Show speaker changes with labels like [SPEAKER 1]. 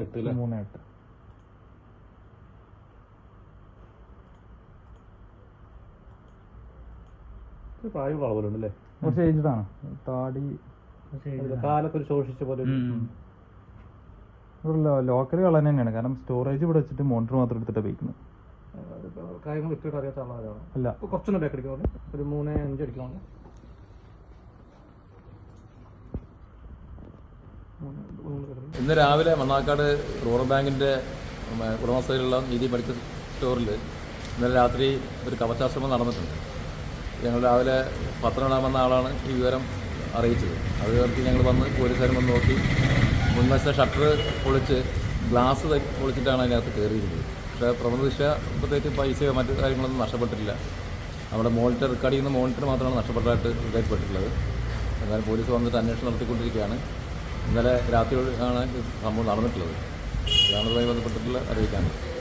[SPEAKER 1] 3.8.
[SPEAKER 2] പ്രായമുള്ള ആളുകളുണ്ടല്ലേ?
[SPEAKER 1] കുറച്ച് ഏജ്ഡാണ്. താടി
[SPEAKER 2] കാലൊക്കെ ഒരു ശോഷിച്ച പോലെ.
[SPEAKER 1] ലോക്കൽ കളർ തന്നെയാണ്. കാരണം സ്റ്റോറേജ് ഇവിടെ വെച്ചിട്ട് മോണിറ്റർ മാത്രം എടുത്തിട്ട് ഉപയോഗിക്കുന്നത്.
[SPEAKER 2] കാര്യങ്ങൾ വ്യക്തിയോട് അറിയാത്ത ആളാണ്.
[SPEAKER 1] അല്ല,
[SPEAKER 2] കുറച്ചൊന്നും ബാക്ക് അടിക്കുന്നുണ്ട്. ഒരു 3.5 അടിക്കുന്നുണ്ട്.
[SPEAKER 3] ഇന്ന് രാവിലെ മണ്ണാക്കാട് റൂറൽ ബാങ്കിൻ്റെ ഉടമസ്ഥയിലുള്ള നീതി മെഡിക്കൽ സ്റ്റോറിൽ ഇന്നലെ രാത്രി ഒരു കവചാശ്രമം നടന്നിട്ടുണ്ട്. ഞങ്ങൾ രാവിലെ പത്രം ഇടാമെന്ന ആളാണ് ഈ വിവരം അറിയിച്ചത്. അത് ചേർത്ത് ഞങ്ങൾ വന്ന് പോലീസുകാരും വന്ന് നോക്കി. മുൻവശത്തെ ഷട്ടർ പൊളിച്ച് ഗ്ലാസ് പൊളിച്ചിട്ടാണ് അതിനകത്ത് കയറിയിരുന്നത്. പക്ഷേ പ്രഥമദൃഷ്ട്യ പ്രത്യേകിച്ച് പൈസയോ മറ്റു കാര്യങ്ങളൊന്നും നഷ്ടപ്പെട്ടിട്ടില്ല. നമ്മുടെ മോണിറ്റർ റെക്കോർഡ് ചെയ്യുന്ന മോണിറ്റർ മാത്രമാണ് നഷ്ടപ്പെട്ടതായിട്ട് ഇതായിപ്പെട്ടിട്ടുള്ളത്. എന്നാലും പോലീസ് വന്നിട്ട് അന്വേഷണം നടത്തിക്കൊണ്ടിരിക്കുകയാണ്. ഇന്നലെ രാത്രി ആണ് സംഭവം നടന്നിട്ടുള്ളത്. ഇതാണ് ഇതുമായി ബന്ധപ്പെട്ടിട്ടുള്ള അറിയിക്കാനുള്ളത്.